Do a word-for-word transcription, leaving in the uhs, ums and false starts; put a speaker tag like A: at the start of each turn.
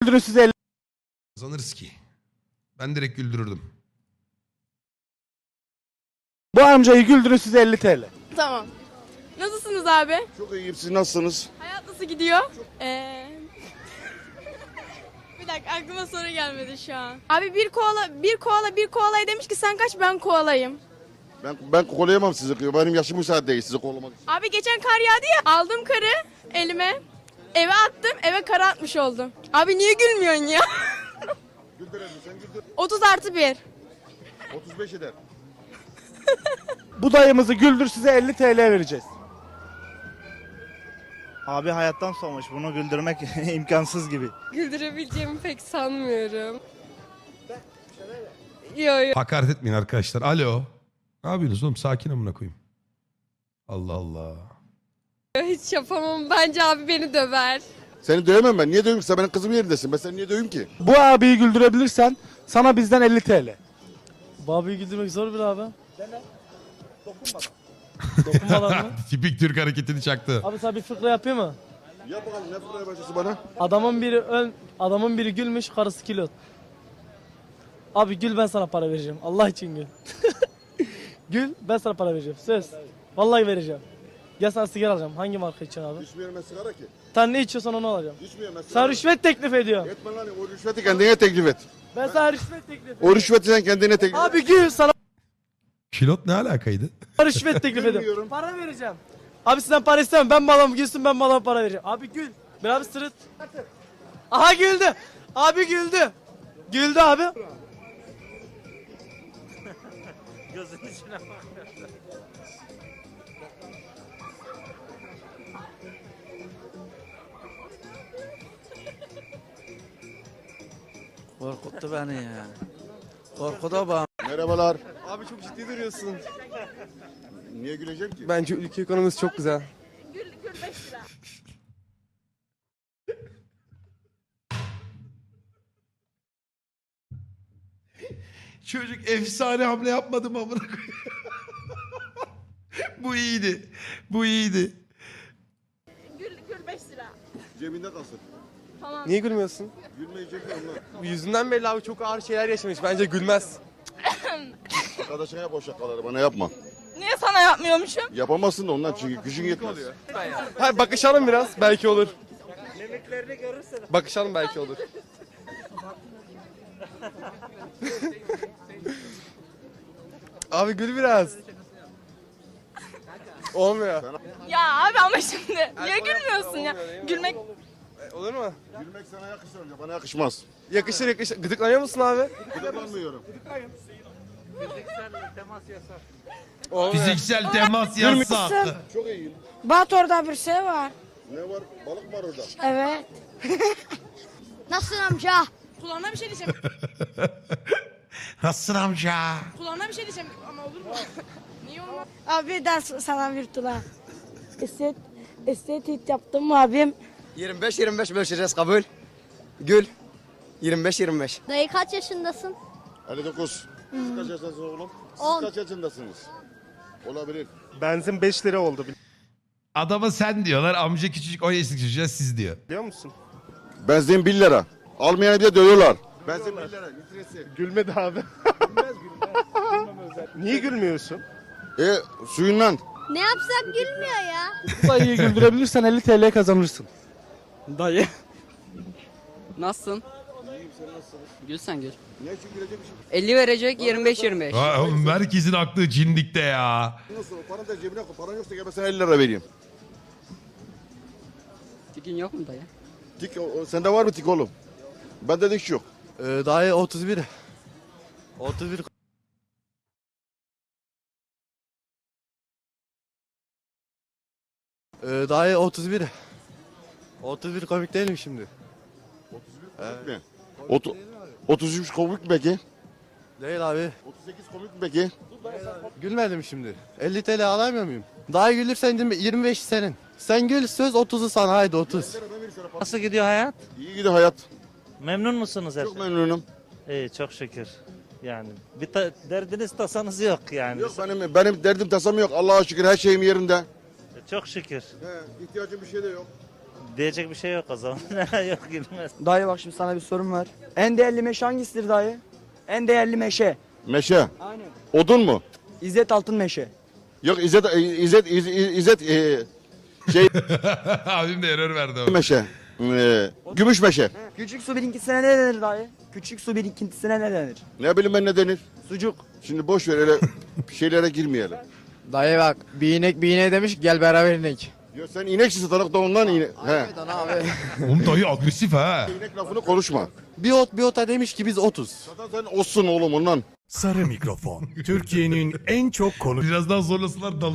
A: Güldürün size elli.
B: Kazanırız ki. Ben direkt güldürürdüm.
A: Bu amcayı güldürün size elli T L.
C: Tamam. Nasılsınız abi?
D: Çok iyiyim, siz nasılsınız?
C: Hayat nasıl gidiyor? Ee... bir dakika aklıma soru gelmedi şu an. Abi bir koala, bir koala, bir koalaya demiş ki sen kaç ben koalayım.
D: Ben ben kolayamam sizi, benim yaşım müsaade değil sizi kollamak için.
C: Abi geçen kar yağdı ya aldım karı elime eve attım eve kar atmış oldum. Abi niye gülmüyorsun ya?
D: Güldür elini, sen güldür.
C: otuz artı bir.
D: otuz beş eder.
A: Bu dayımızı güldür size elli T L vereceğiz.
E: Abi hayattan soğumuş. Bunu güldürmek imkansız gibi.
F: Güldürebileceğimi pek sanmıyorum. Yo yo.
B: Hakaret etmeyin arkadaşlar. Alo. Ne yapıyorsunuz oğlum? Sakin amına koyayım. Allah Allah.
F: Hiç yapamam. Bence abi beni döver.
D: Seni dövemem ben, niye döveyim ki? Sen benim kızımın yerindesin, ben seni niye döveyim ki?
A: Bu abiyi güldürebilirsen sana bizden elli T L.
G: Babiyi güldürmek zor bir abi. Dene. Dokunma. Dokunma lan mı?
B: Tipik Türk hareketini çaktı.
G: Abi sana bir fıkra yapayım mı?
D: Yap bakalım, ne fırlaya başlasın bana?
G: Adamın biri ön, adamın biri gülmüş, karısı kilot. Abi gül, ben sana para vereceğim. Allah için gül. Gül, ben sana para vereceğim. Söz. Vallahi vereceğim. Gel sana sigara alacağım. Hangi marka için abi?
D: İçmiyorum ben sigara ki.
G: Sen ne içiyorsan onu alacağım.
D: İçmiyorum ben sigara.
G: Sana rüşvet teklif ediyorum.
D: Etme lan, o rüşveti kendine teklif et.
G: Ben sana rüşvet teklif ediyorum.
D: O rüşveti sen kendine teklif et.
G: Abi gül, sana
B: Kilot ne alakaydı?
G: rüşvet teklif ediyorum.
D: Bilmiyorum.
G: Para vereceğim. Abi sizden para istemem. Ben malam gülsün, ben malama para vereceğim. Abi gül. Ben abi sırıt. Aha güldü. Abi güldü. Güldü abi. Gözünün içine bak.
H: Korkuttu beni ya. Korkuda bana.
D: Merhabalar.
I: Abi çok ciddi duruyorsun.
D: Niye güleceğim ki?
I: Bence ülke ekonomisi çok güzel.
C: Gül, gül beş lira.
B: Çocuk efsane hamle yapmadı mı amına koyayım? Bu iyiydi. Bu iyiydi.
C: Gül, gül beş lira.
D: Cebinde kalsın.
C: Tamam.
I: Niye gülmüyorsun?
D: Gülmeyecek mi onlar?
I: Yüzünden belli abi, çok ağır şeyler yaşamış. Bence gülmez.
D: Arkadaşına yap o şakaları, bana yapma.
C: Niye sana yapmıyormuşum?
D: Yapamazsın da ondan, çünkü gücün yetmez.
I: Hayır, bakışalım biraz, belki olur. Bakışalım, belki olur. Abi gül biraz. Olmuyor.
C: Ya abi ama şimdi niye gülmüyorsun ya?
I: Olmuyor, değil mi?
C: Gülmek
I: E, Olur mu?
D: Gülmek sana yakışır önce, bana yakışmaz.
I: Yakışır yakışır. Gıdıklanıyor musun abi?
D: Gıdıklanmıyorum.
I: Olmuyor.
B: Fiziksel temas yasak.
D: Çok iyiyim.
J: Bat orada bir şey var.
D: Ne var? Balık var orada.
J: Evet. Nasılsın amca?
C: kulağına bir şey diyeceğim.
B: Nasılsın amca?
C: Kulağına bir şey diyeceğim ama olur mu? Niye olmaz?
J: Abi ben sana bir tula. Estet, estetik yaptım abim.
H: yirmi beş yirmi beş bölüşeceğiz, kabul. Gül. yirmi beş yirmi beş.
J: Dayı kaç yaşındasın?
D: elli dokuz. Siz kaç yaşındasınız oğlum? Siz
J: On.
D: kaç yaşındasınız? Olabilir.
I: Benzin beş lira oldu,
B: Adama sen diyorlar. Amca küçücük on yaşındaki çocuğa siz diyor.
I: biliyor musun?
D: Benzin bir lira. Almayanı bir de dövüyorlar. Benzin bir lira. Litresi.
I: Gülmedi abi. Niye gülmüyorsun?
D: E suyundan.
J: Ne yapsak gülmüyor ya.
A: Bu dayıyı güldürebilirsen elli T L kazanırsın.
H: Dayı. Nasılsın? Gül sen gül.
D: Ne için gülecekmişim?
H: elli verecek, yirmi beş yirmi beş.
B: Aa, oğlum herkesin aklı cindikte ya.
D: Nasıl? Paranı da cebine koy. Paran yoksa gel ben sana elli lira vereyim.
H: Tikin yok mu dayı?
D: Tik, o, o- sende var mı tik oğlum? Bende dik yok.
I: Ee, dayı otuz bir. otuz bir. Ee, dayı otuz bir. otuz bir komik değil mi şimdi?
D: Mi? Otu, otuz üç komik mi peki?
I: Değil abi.
D: otuz sekiz komik mi peki?
I: Gülmedim şimdi. elli T L alamıyor muyum? Daha gülürsen yirmi beş senin. Sen gül, söz otuzu sana, haydi otuz.
E: Nasıl gidiyor hayat?
D: İyi gidiyor hayat.
E: Memnun musunuz her
D: Çok
E: şey?
D: memnunum.
E: İyi, çok şükür. Yani bir ta- derdiniz tasanız yok yani.
D: Yok benim benim derdim tasam yok. Allah'a şükür her şeyim yerinde.
E: Çok şükür.
D: He, ihtiyacım bir şey de yok.
E: Diyecek bir şey yok o zaman. Yok gülmez.
H: Dayı bak şimdi sana bir sorum var. En değerli meşe hangisidir dayı? En değerli meşe.
D: Meşe.
H: Aynen.
D: Odun mu?
H: İzzet Altın Meşe.
D: Yok İzzet, İzzet, İzzet, İzzet e, şey
B: Abim de error verdi ama.
D: meşe. E, gümüş meşe.
H: Küçük su birikintisine ne denir dayı? Küçük su birikintisine ne denir?
D: Ne bileyim ben ne denir?
H: Sucuk.
D: Şimdi boş ver öyle şeylere girmeyelim.
H: Dayı bak bir inek bir ineğe demiş ki gel beraber inek.
D: Ya sen ineksin satarak da ondan inek. He.
H: abi.
B: Oğlum dayı agresif ha.
D: İnek lafını konuşma.
I: Bir ot bir ota demiş ki biz otuz.
D: Zaten sen olsun oğlum ondan.
K: Sarı Mikrofon. Türkiye'nin en çok konu
B: Biraz daha zorlasınlar dalacağım.